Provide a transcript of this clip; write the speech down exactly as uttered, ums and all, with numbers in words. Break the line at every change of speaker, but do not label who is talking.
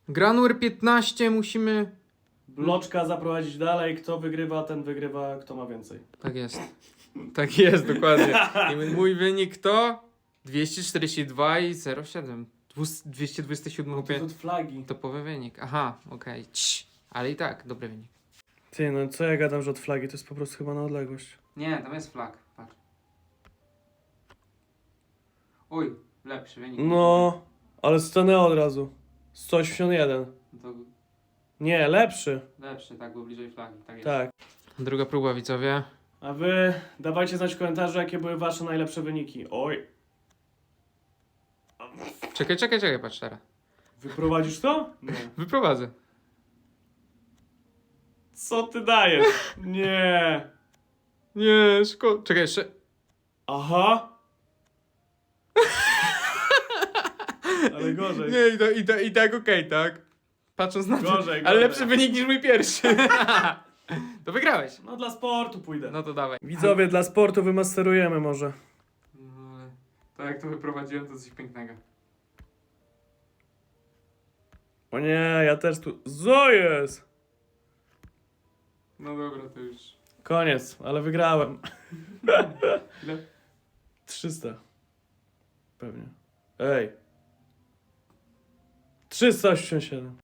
Gra numer piętnaście, musimy...
Bloczka zaprowadzić dalej, kto wygrywa, ten wygrywa, kto ma więcej.
Tak jest. Tak jest, dokładnie. I mój wynik to dwieście czterdzieści dwa i zero przecinek siedem. dwieście dwadzieścia siedem
To
chłopie.
od flagi.
Topowy wynik. Aha, okej. Okay. Ale i tak, dobry wynik.
Ty, no co ja gadam, że od flagi, to jest po prostu chyba na odległość.
Nie, tam jest flag. Patrz. Uj, lepszy wynik.
No, ale stanęło od razu. sto osiemdziesiąt jeden.
To
Nie, lepszy.
lepszy, tak, było bliżej flagi. Tak jest.
Tak.
Druga próba, widzowie.
A wy dawajcie znać w komentarzu, jakie były wasze najlepsze wyniki. Oj.
Czekaj, czekaj, czekaj, patrz teraz.
Wyprowadzisz to? Nie.
Wyprowadzę.
Co ty dajesz? Nie.
Nie, szkoda. Czekaj, jeszcze.
Aha. Ale gorzej.
Nie, i, to, i, to, i tak okej, tak? Patrząc na to.
Gorzej,
Ale
gorzej.
lepszy wynik niż mój pierwszy. To wygrałeś.
No dla sportu pójdę.
No to dawaj.
Widzowie, dla sportu wymasterujemy może.
No ale to jak to wyprowadziłem, to coś pięknego.
O nie, ja też tu... Co jest?
No dobra, to już.
Koniec, ale wygrałem.
Ile?
trzysta. Pewnie. Ej. trzysta osiemdziesiąt siedem.